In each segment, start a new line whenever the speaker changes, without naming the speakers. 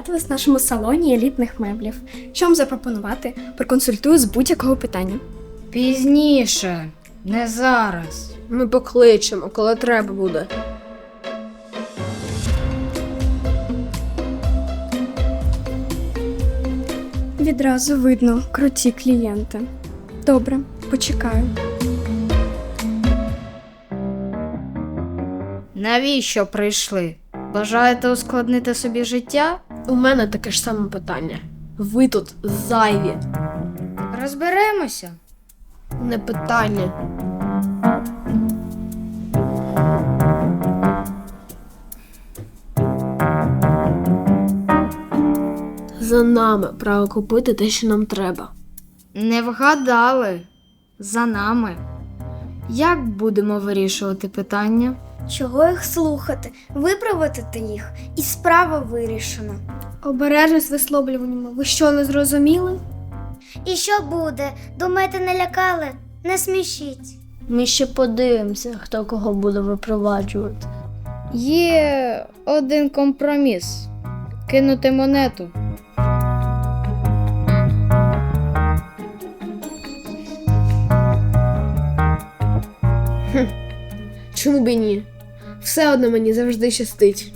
трапились в нашому салоні елітних меблів. Що вам запропонувати? Проконсультую з будь-якого питання.
Пізніше, не зараз.
Ми покличемо, коли треба буде.
Відразу видно круті клієнти. Добре, почекаю.
Навіщо прийшли? Бажаєте ускладнити собі життя?
У мене таке ж саме питання. Ви тут зайві.
Розберемося.
Не питання. За нами право купити те, що нам треба.
Не вгадали. За нами. Як будемо вирішувати питання?
Чого їх слухати? Виправити їх, і справа вирішена.
Обережно з висловлюваннями. Ви що, не зрозуміли?
І що буде? Думаєте, не лякали? Не смішіть.
Ми ще подивимося, хто кого буде випроваджувати.
Є один компроміс. Кинути монету.
Чому б і ні? Все одно мені завжди щастить.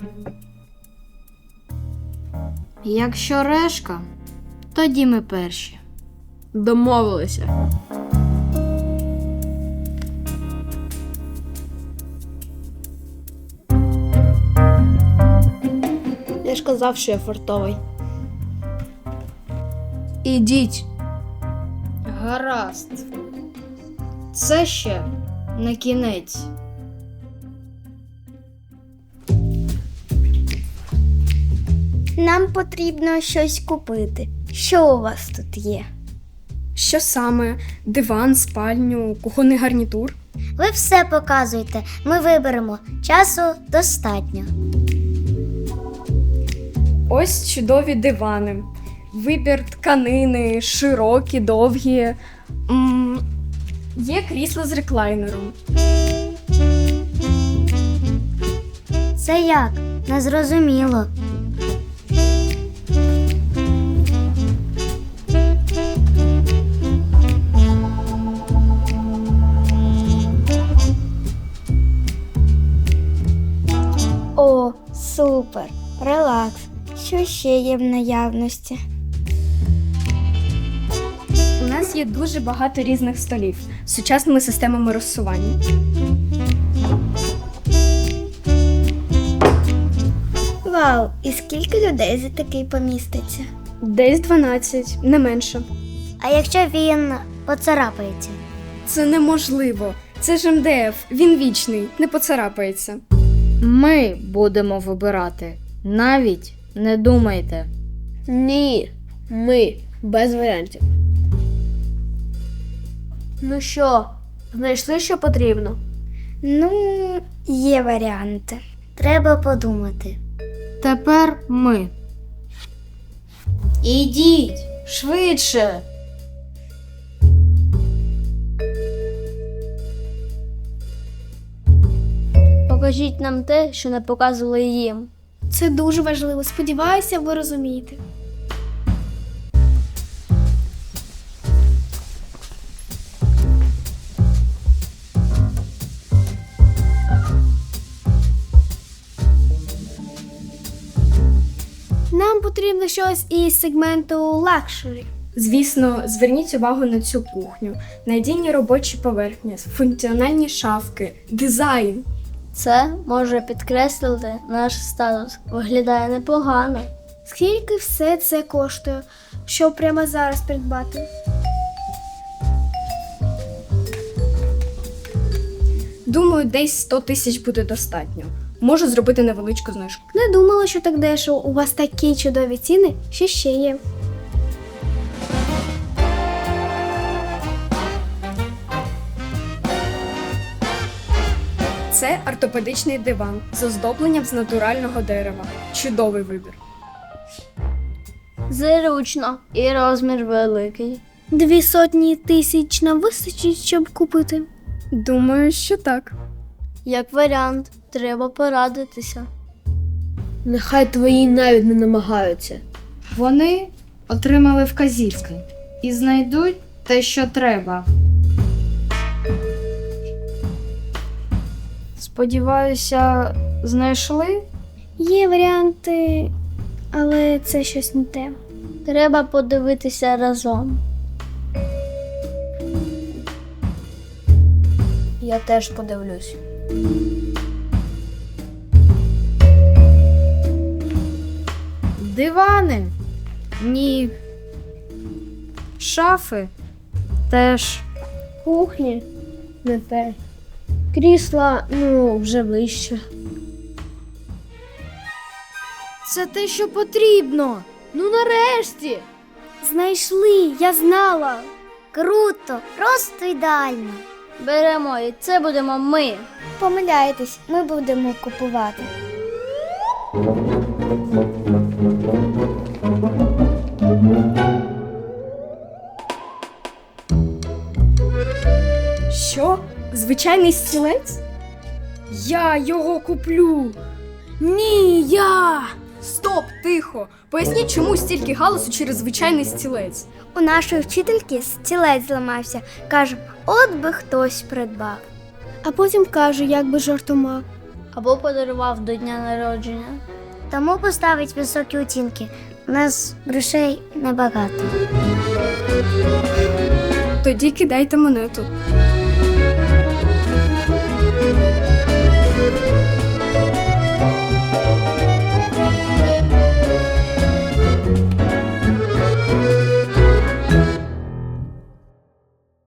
Якщо решка, тоді ми перші.
Домовилися. Я ж казав, що я фартовий. Ідіть.
Гаразд. Це ще не кінець.
Нам потрібно щось купити. Що у вас тут є?
Що саме? Диван, спальню, кухонний гарнітур?
Ви все показуєте, ми виберемо. Часу достатньо.
Ось чудові дивани. Вибір тканини, широкі, довгі. Є крісло з реклайнером.
Це як? Незрозуміло. О, супер! Релакс. Що ще є в наявності?
У нас є дуже багато різних столів з сучасними системами розсування.
Вау! І скільки людей за такий поміститься?
Десь 12, не менше.
А якщо він поцарапається?
Це неможливо. Це ж МДФ, він вічний, не поцарапається.
Ми будемо вибирати. Навіть не думайте.
Ні, ми без варіантів. Ну що, знайшли, що потрібно?
Ну, є варіанти. Треба подумати.
Тепер ми. Ідіть, швидше.
Покажіть нам те, що не показували їм.
Це дуже важливо. Сподіваюся, ви розумієте. Нам потрібно щось із сегменту лакшері.
Звісно, зверніть увагу на цю кухню. Надійні робочі поверхні, функціональні шафки, дизайн.
Це може підкреслити наш статус. Виглядає непогано.
Скільки все це коштує, щоб прямо зараз придбати?
Думаю, десь 100 тисяч буде достатньо. Можу зробити невеличку знижку.
Не думала, що так дешево. У вас такі чудові ціни, що ще є.
Це ортопедичний диван з оздобленням з натурального дерева. Чудовий вибір.
Зручно і розмір великий.
200 тисяч нам вистачить, щоб купити.
Думаю, що так.
Як варіант, треба порадитися.
Нехай твої навіть не намагаються.
Вони отримали вказівки і знайдуть те, що треба. Сподіваюся, знайшли?
Є варіанти, але це щось не те.
Треба подивитися разом.
Я теж подивлюсь. Дивани? Ні. Шафи? Теж.
Кухні не те. Крісла, вже вище.
Це те, що потрібно.
Ну нарешті!
Знайшли, я знала.
Круто, просто ідеально.
Беремо, і це будемо ми.
Помиляєтесь, ми будемо купувати.
Що? Звичайний стілець? Я його куплю. Ні, я. Стоп, тихо. Поясніть, чому стільки галасу через звичайний стілець.
У нашої вчительки стілець зламався. Кажемо, от би хтось придбав.
А потім кажу, як би жартома.
Або подарував до дня народження.
Тому поставить високі оцінки. У нас грошей небагато.
Тоді кидайте монету.